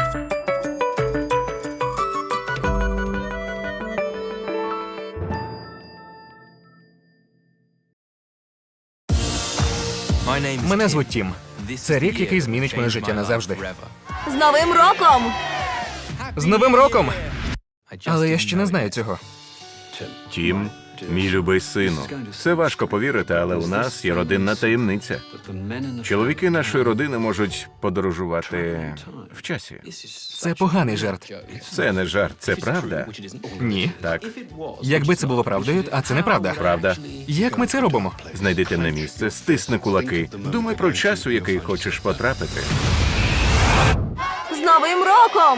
Мене звуть Тім. Це рік, який змінить моє життя назавжди. З Новим роком! З Новим роком! Але я ще не знаю цього. Тім, мій любий сину, це важко повірити, але у нас є родинна таємниця. Чоловіки нашої родини можуть подорожувати в часі. Це поганий жарт. Це не жарт, це правда. Ні. Так, Якби це було правдою, а це неправда. правда. Як ми це робимо? Знайди темне місце, стисни кулаки. Думай про час, у який хочеш потрапити. З Новим роком!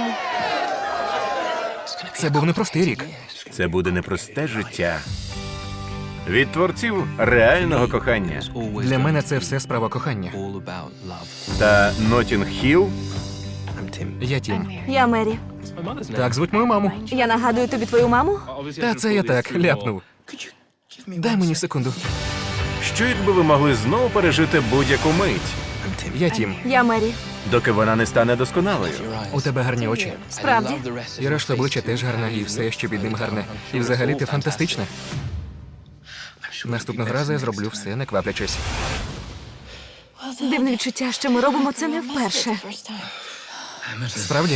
Це був непростий рік. Це буде непросте життя. Від творців реального кохання. Для мене це все справа кохання. Та Нотінг Хілл. Я Тім. Я Мері. Так звуть мою маму. Я нагадую тобі твою маму? Та це я так ляпнув. Дай мені секунду. Що якби ви могли знову пережити будь-яку мить, Я Тім. Я Мері. доки вона не стане досконалою? У тебе гарні очі. Справді? І решта обличчя теж гарна, і все, що під ним гарне. І взагалі ти фантастична. Наступного разу я зроблю все, не кваплячись. Дивне відчуття, що ми робимо це не вперше. Справді?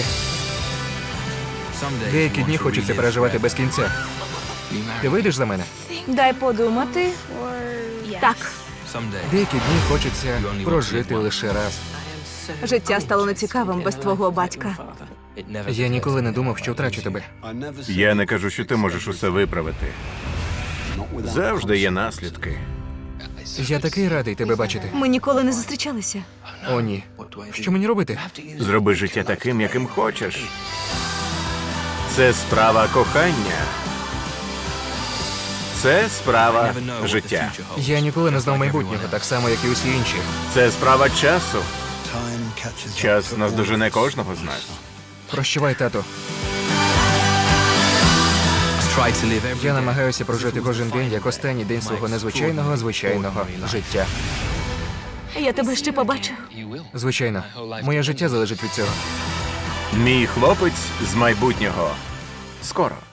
Деякі дні хочеться переживати без кінця. Ти вийдеш за мене? Дай подумати. Так. Деякі дні хочеться прожити лише раз. Життя стало нецікавим без твого батька. Я ніколи не думав, що втрачу тебе. Я не кажу, що ти можеш усе виправити. Завжди є наслідки. Я такий радий тебе бачити. Ми ніколи не зустрічалися. О, ні. Що мені робити? Зроби життя таким, яким хочеш. Це справа кохання. Це справа життя. Я ніколи не знав майбутнього, так само, як і усі інші. Це справа часу. Час наздожене кожного з нас. Прощавай, тато. Я намагаюся прожити кожен день як останній день свого незвичайного, звичайного життя. Я тебе ще побачу. Звичайно, моє життя залежить від цього. Мій хлопець з майбутнього. Скоро.